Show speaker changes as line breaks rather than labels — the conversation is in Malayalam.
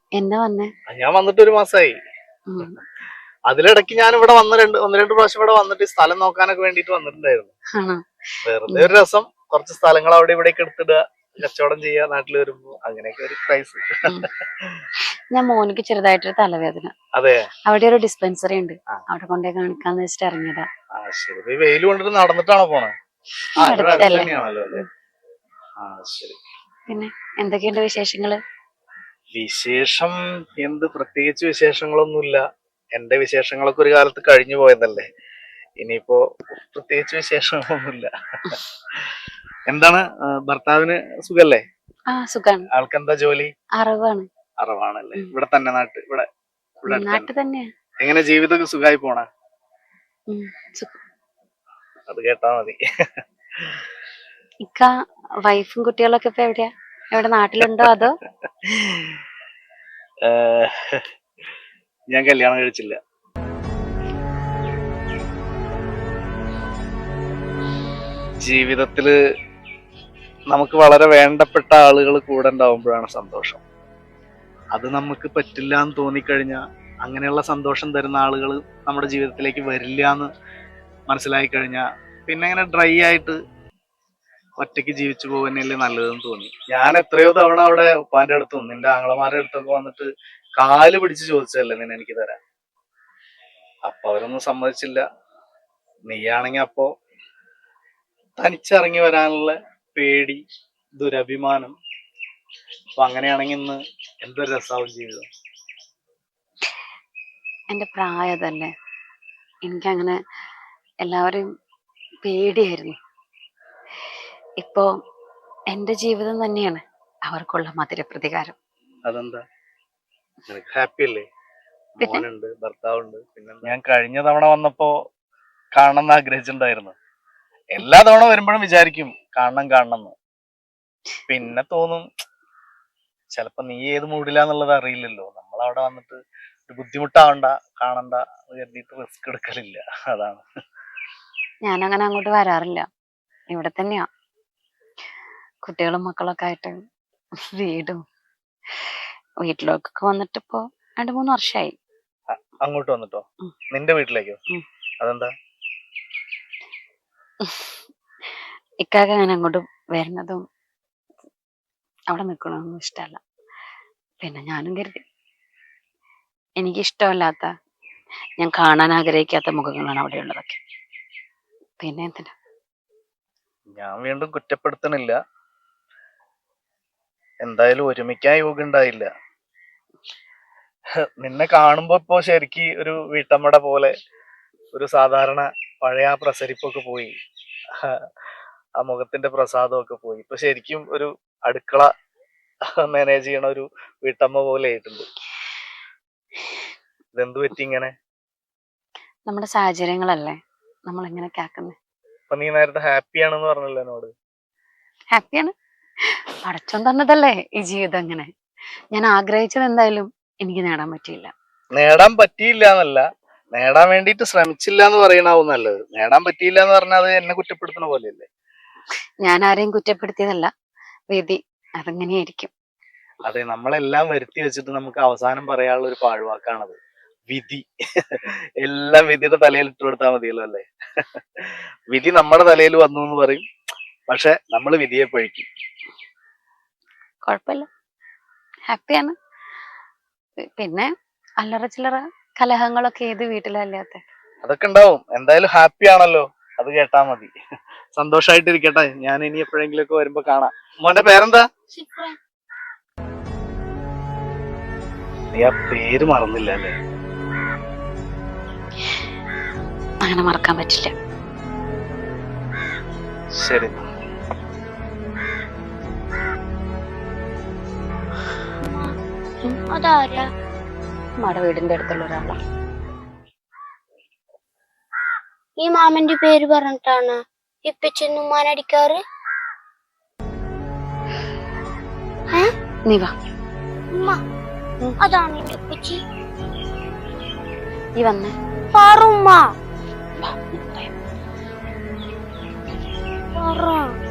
എന്നാ വന്നേ?
ഞാൻ വന്നിട്ട് ഒരു മാസമായി. അതിലിടയ്ക്ക് ഞാൻ ഇവിടെ ഒന്ന് രണ്ട് പ്രാവശ്യം ഇവിടെ വന്നിട്ട് സ്ഥലം നോക്കാനൊക്കെ വേണ്ടിട്ട് വന്നിട്ടുണ്ടായിരുന്നു. വെറുതെ ഒരു രസം, കുറച്ച് സ്ഥലങ്ങൾ അവിടെ ഇവിടേക്ക് എടുത്തിടുക, കച്ചവടം ചെയ്യാ നാട്ടിൽ വരുമ്പോ, അങ്ങനെയൊക്കെ ഒരു ക്രൈസ്.
ഞാൻ മോനിക്ക് ചെറുതായിട്ടൊരു തലവേദന.
അതെ,
അവിടെ ഒരു ഡിസ്പെൻസറി ഉണ്ട്, അവിടെ കൊണ്ടേ കാണിക്കാന്ന് വെച്ചിട്ട് ഇറങ്ങിയതാ.
ശരി. വെയിൽ കൊണ്ടിട്ട് നടന്നിട്ടാണോ പോണേ?
പിന്നെ എന്തൊക്കെയുണ്ട് വിശേഷങ്ങള്?
വിശേഷം എന്ത്, പ്രത്യേകിച്ച് വിശേഷങ്ങളൊന്നുമില്ല. എന്റെ വിശേഷങ്ങളൊക്കെ ഒരു കാലത്ത് കഴിഞ്ഞു പോയതല്ലേ, ഇനിയിപ്പോ പ്രത്യേകിച്ച് വിശേഷങ്ങളൊന്നുമില്ല. എന്താണ് ഭർത്താവിന് സുഖല്ലേ?
ആ സുഖാണ്.
ആൾക്കെന്താ ജോലി?
അറിവാണ്.
അറിവാണല്ലേ? ഇവിടെ തന്നെ
നാട്ടിൽ തന്നെയാ.
എങ്ങനെ ജീവിതമൊക്കെ സുഖമായി പോണ? അത് കേട്ടാ മതി.
ഇക്ക വൈഫും കുട്ടികളൊക്കെ ഇപ്പൊ എവിടെയാ? എവിടെ, നാട്ടിലുണ്ടോ അതോ?
ഞാൻ കല്യാണം കഴിച്ചില്ല. ജീവിതത്തില് നമുക്ക് വളരെ വേണ്ടപ്പെട്ട ആളുകൾ കൂടെ ഉണ്ടാവുമ്പോഴാണ് സന്തോഷം. അത് നമുക്ക് പറ്റില്ല എന്ന് തോന്നിക്കഴിഞ്ഞാൽ, അങ്ങനെയുള്ള സന്തോഷം തരുന്ന ആളുകൾ നമ്മുടെ ജീവിതത്തിലേക്ക് വരില്ല എന്ന് മനസ്സിലായി കഴിഞ്ഞാൽ, പിന്നെ ഇങ്ങനെ ഡ്രൈ ആയിട്ട് ഒറ്റയ്ക്ക് ജീവിച്ചു പോകുന്നല്ലേ നല്ലതെന്ന് തോന്നി. ഞാൻ എത്രയോ തവണ അവിടെ ഉപ്പാന്റെ അടുത്തും നിന്റെ ആങ്ങളമാരുടെ അടുത്തൊക്കെ വന്നിട്ട് കാല് പിടിച്ച് ചോദിച്ചതല്ലേ നിന്നെ എനിക്ക് തരാൻ. അപ്പൊ അവരൊന്നും സമ്മതിച്ചില്ല. നീയാണെങ്കി അപ്പോ തനിച്ചിറങ്ങി വരാനുള്ള പേടി, ദുരഭിമാനം. അപ്പൊ അങ്ങനെയാണെങ്കിൽ ഇന്ന് എന്തൊരു രസാവും ജീവിതം.
എന്റെ പ്രായതല്ലേ, എനിക്കങ്ങനെ എല്ലാവരെയും പേടിയായിരുന്നു. ഇപ്പോ എന്റെ ജീവിതം തന്നെയാണ് അവർക്കുള്ള മധുര പ്രതികാരം.
അതെന്താ, ഹാപ്പി അല്ലേ? മോനുണ്ട്, ഭർത്താവുണ്ട്. പിന്നെ ഞാൻ കഴിഞ്ഞ തവണ വന്നപ്പോ കാണണം എന്ന് ആഗ്രഹിച്ചിട്ടുണ്ടായിരുന്നു. എല്ലാ തവണ വരുമ്പോഴും വിചാരിക്കും കാണണം എന്ന്. പിന്നെ തോന്നും ചിലപ്പോ നീ ഏത് മൂഡിലാന്നുള്ളത് അറിയില്ലല്ലോ. നമ്മളവിടെ വന്നിട്ട് ഒരു ബുദ്ധിമുട്ടാവണ്ട, കാണണ്ട കരുതിയിട്ട് റിസ്ക് എടുക്കലില്ല. അതാണ്.
ഞാനങ്ങനെ അങ്ങോട്ട് വരാറില്ല, ഇവിടെ തന്നെയാ. കുട്ടികളും മക്കളൊക്കെ ആയിട്ട് വീട്ടിലേക്കൊക്കെ വന്നിട്ടിപ്പോ 2-3 വർഷമായി.
അങ്ങോട്ട് വന്നിട്ടോ? നിന്റെ വീട്ടിലേക്കോ? അതെന്താ?
ഇക്കാക്ക് അങ്ങനെ അങ്ങോട്ട് വരുന്നതും അവിടെ നിൽക്കണമെന്നും ഇഷ്ടമല്ല. പിന്നെ ഞാനും കരുതി, എനിക്കിഷ്ടമല്ലാത്ത, ഞാൻ കാണാൻ ആഗ്രഹിക്കാത്ത മുഖങ്ങളാണ് അവിടെ ഉള്ളതൊക്കെ. പിന്നെ എന്തിനാ?
ഞാൻ വീണ്ടും കുറ്റപ്പെടുത്തണില്ല. എന്തായാലും ഒരുമിക്കാൻ യോഗ ഉണ്ടായില്ല. നിന്നെ കാണുമ്പോ ഇപ്പോ ശരിക്ക് ഒരു വീട്ടമ്മയുടെ പോലെ, ഒരു സാധാരണ പഴയ ആ പ്രസരിപ്പൊക്കെ പോയി, ആ മുഖത്തിന്റെ പ്രസാദമൊക്കെ പോയി. ഇപ്പൊ ശരിക്കും ഒരു അടുക്കള മാനേജ് ചെയ്യണ ഒരു വീട്ടമ്മ പോലെ ആയിട്ടുണ്ട്. ഇതെന്തു പറ്റി ഇങ്ങനെ?
നമ്മുടെ സാഹചര്യങ്ങളല്ലേ നമ്മൾ എങ്ങനെയൊക്കെ ആക്കുന്നത്.
അപ്പൊ നീ നേരത്തെ ഹാപ്പിയാണെന്ന് പറഞ്ഞല്ലോ എന്നോട്.
ഹാപ്പിയാണ്, പടച്ചോൻ തന്നതല്ലേ ഈ ജീവിതം. അങ്ങനെ ഞാൻ ആഗ്രഹിച്ചത് എന്തായാലും എനിക്ക് നേടാൻ പറ്റിയില്ല.
നേടാൻ പറ്റിയില്ല എന്നല്ല, നേടാൻ വേണ്ടിട്ട് ശ്രമിച്ചില്ല എന്ന് പറയണാവും നല്ലത്. നേടാൻ പറ്റിയില്ല എന്ന് പറഞ്ഞാൽ അത് എന്നെ കുറ്റപ്പെടുത്തുന്ന പോലെയല്ലേ?
ഞാൻ ആരെയും കുറ്റപ്പെടുത്തിയതല്ല, വിധി അതെങ്ങനെയായിരിക്കും.
അതെ, നമ്മളെല്ലാം വരുത്തി വെച്ചിട്ട് നമുക്ക് അവസാനം പറയാനുള്ള ഒരു പാഴ്വാക്കാണത്, വിധി. എല്ലാം വിധിയുടെ തലയിൽ ഇട്ട് കൊടുത്താൽ മതിയല്ലോ അല്ലേ? വിധി നമ്മുടെ തലയിൽ വന്നു എന്ന് പറയും, പക്ഷെ നമ്മൾ വിധിയെ പഴിക്കും.
കുഴപ്പമില്ല, ഹാപ്പിയാണ്. പിന്നെ അല്ലറ ചില്ലറ കലഹങ്ങളൊക്കെ ഏത് വീട്ടിലല്ലാത്ത?
അതൊക്കെ ഉണ്ടാവും. എന്തായാലും ഹാപ്പി ആണല്ലോ, അത് കേട്ടാ മതി. സന്തോഷായിട്ടിരിക്കട്ടെ. ഞാൻ ഇനി എപ്പോഴെങ്കിലും ഒക്കെ വരുമ്പോ കാണാം. മോന്റെ പേരെന്താ? നീ ആ പേര് മറന്നില്ല അല്ലേ?
അങ്ങനെ മറക്കാൻ പറ്റില്ല.
ശരി.
അതാരാ? നമ്മുടെ വീടിന്റെ അടുത്തുള്ള ഒരാളാ.
ഈ മാമന്റെ പേര് പറഞ്ഞിട്ടാണ് ഇപ്പച്ചെന്ന് ഉമ്മാനടിക്കാറ്.
നീ വാ.
ഉമ്മ, അതാണ് എന്റെ ഉപ്പച്ചി.
ഈ വന്നേ.
പാറുമ്മ.
വാ,
പറ.